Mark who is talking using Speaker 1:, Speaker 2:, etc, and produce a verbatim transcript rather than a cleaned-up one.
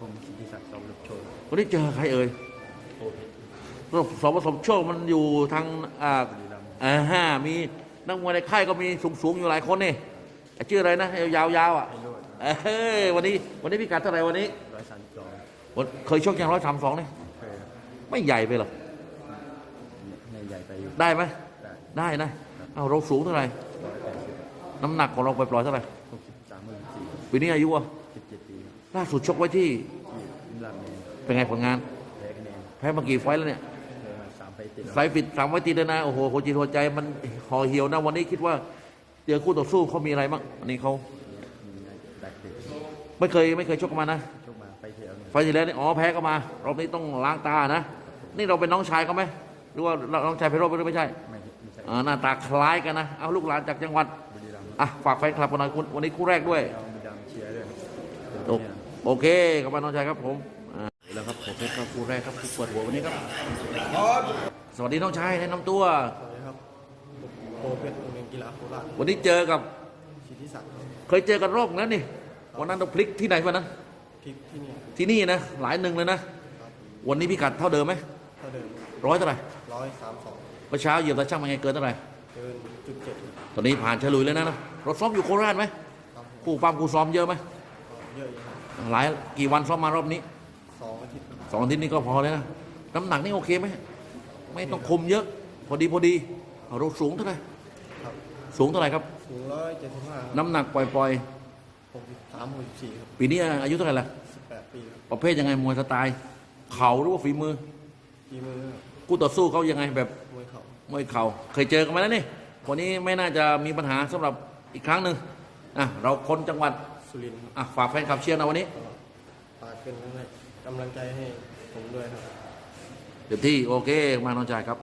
Speaker 1: ผมสิทธิศักดิ์สมฤทธิ์โชค
Speaker 2: วันนี้เจอใครเอ่ย
Speaker 1: โอเพชร
Speaker 2: รบสมผสมโชคมันอยู่ทางอ่า
Speaker 1: บุรีรัมย์
Speaker 2: อ่าฮะมีนักมวยในค่ายก็มีสูงๆอยู่หลายคนนี่ชื่ออะไรนะยาวๆอ่ะ
Speaker 1: ไพโรจน์
Speaker 2: เอ้ยวันนี้วันนี้พิกัดเท่าไหร่วันนี้
Speaker 1: ร้อยสามสิบสอง
Speaker 2: วันเคยชกยังร้อยสามสองนี่
Speaker 1: เคยครับ
Speaker 2: ไม่ใหญ่ไปหรอ
Speaker 1: ในใหญ่ไปอยู่
Speaker 2: ได้ไหม
Speaker 1: ได้
Speaker 2: ได้นะเอาเราสูงเท่าไหร่
Speaker 1: ร้อยแปดสิบ
Speaker 2: น้ำหนักของเราไปปล่อยๆเท่าไหร่
Speaker 1: หกสิบสามหมื่นสี่
Speaker 2: ปีนี้อายุอ่ะ
Speaker 1: สิบเจ็ดปีครับ
Speaker 2: ล่าสุดชกไว้ที่
Speaker 1: ที่ลาดเมน
Speaker 2: เป็นไงผลงาน
Speaker 1: แพ้คะแนน
Speaker 2: แพ้มากี่ไฟต์แล้วเนี่ย
Speaker 1: เคยมาสามไปติดแล้ว
Speaker 2: ไฟต์ปิดสามไฟต์ติดเลยนะโอ้โหหัวจิตหัวใจมันห่อเหี่ยวนะวันนี้คิดว่าเจอคู่ต่อสู้เขามีอะไรบ้างอันนี้เขา
Speaker 1: มีแบกเด็ก
Speaker 2: ไม่เคยไม่เคยชกกันมานะ
Speaker 1: ชกมาไปเที่ยวเนี่ย
Speaker 2: ไฟล์ที่แล้วนี่อ๋อแพ้ก็มารอบนี้ต้องล้างตานะ นี่เราเป็นน้องชายเขาไหมหรือว่าน้องชายไพโรจน์หรือไม่ใช่
Speaker 1: ไม่ไม่ใช่
Speaker 2: อ่าหน้าตาคล้ายกันนะเอาลูกหลานจากจังหวัด
Speaker 1: บุรีรัมย์
Speaker 2: อ่ะฝากแฟนคลับวันนี้คุณวันนี้คู่แรกด้วย
Speaker 1: เอาบุรีรัมย์เชียร์ด้วย
Speaker 2: โอโอเคขอบคุณน้องชายครับผมอ่าแล้วครับผมเพชรก็คู่แรกครับคู่เปิดหัววันนี้ครับสวัสดีน้องชายแนะนำตัว
Speaker 1: สวัสดีครับโอเพชรโรงเรียนกีฬาโคราช
Speaker 2: วันนี้เจอกับ
Speaker 1: สิทธิศักดิ์
Speaker 2: เคยเจอกันรอบแล้วนี่วันนั้นเราพลิกที่ไหนวันนั้น
Speaker 1: คลิปที่นี่
Speaker 2: ที่นี่นะหลายหนึ่งเลยนะ วันนี้พิกัดเท่าเดิมไหม
Speaker 1: เท่าเดิม
Speaker 2: ร้อยเท่าไหร่
Speaker 1: ร้อยสามสอง
Speaker 2: เมื่อเช้าเหยียบตาช่างมาไงเกินเท่าไหร่
Speaker 1: เกินจุดเจ็ด
Speaker 2: ตอนนี้ผ่านฉลุยแล้วนะเราซ้อมอยู่โคราชไหม
Speaker 1: ครับ
Speaker 2: คู่ปั้มคู่ซ้อมเยอะไหม
Speaker 1: เยอะอยู่ครับ
Speaker 2: หลายกี่วันซ้อมมารอบนี้
Speaker 1: สองอาทิตย์
Speaker 2: สองอาทิตย์นี้ก็พอแล้วนะน้ำหนักนี่โอเคไหมไม่ต้องคุมเยอะ พอดีพอดีเอาเราสูงเท่าไหร่
Speaker 1: ครับ
Speaker 2: สูงเท่าไหร่ครับ
Speaker 1: สูงร้อยเจ็ดสิบห้า
Speaker 2: น้ำหนักปล่อย
Speaker 1: หกสิบสามหกสิบสี่ครับ
Speaker 2: ๆ ปีนี้อายุเท่าไหร่ละ
Speaker 1: สิบแปดปีครับ
Speaker 2: ประเภทยังไงมวยสไตล์เข่าหรือว่าฝีมือ
Speaker 1: ฝีมือ
Speaker 2: คู่ต่อสู้เขายังไงแบบ
Speaker 1: มวยเข่าม
Speaker 2: วยเข่าเคยเจอกันมาแล้วนี่วันนี้ไม่น่าจะมีปัญหาสำหรับอีกครั้งหนึ่งอ่ะเราคนจังหวัด
Speaker 1: สุรินทร์ครับ
Speaker 2: อ่ะฝากแฟนคลับเชียร์นะวันนี้
Speaker 1: ฝากเป็นกำลังใจให้ผมด้วยครับ
Speaker 2: เดี๋ยวที่โอเคมาน้องชายครับ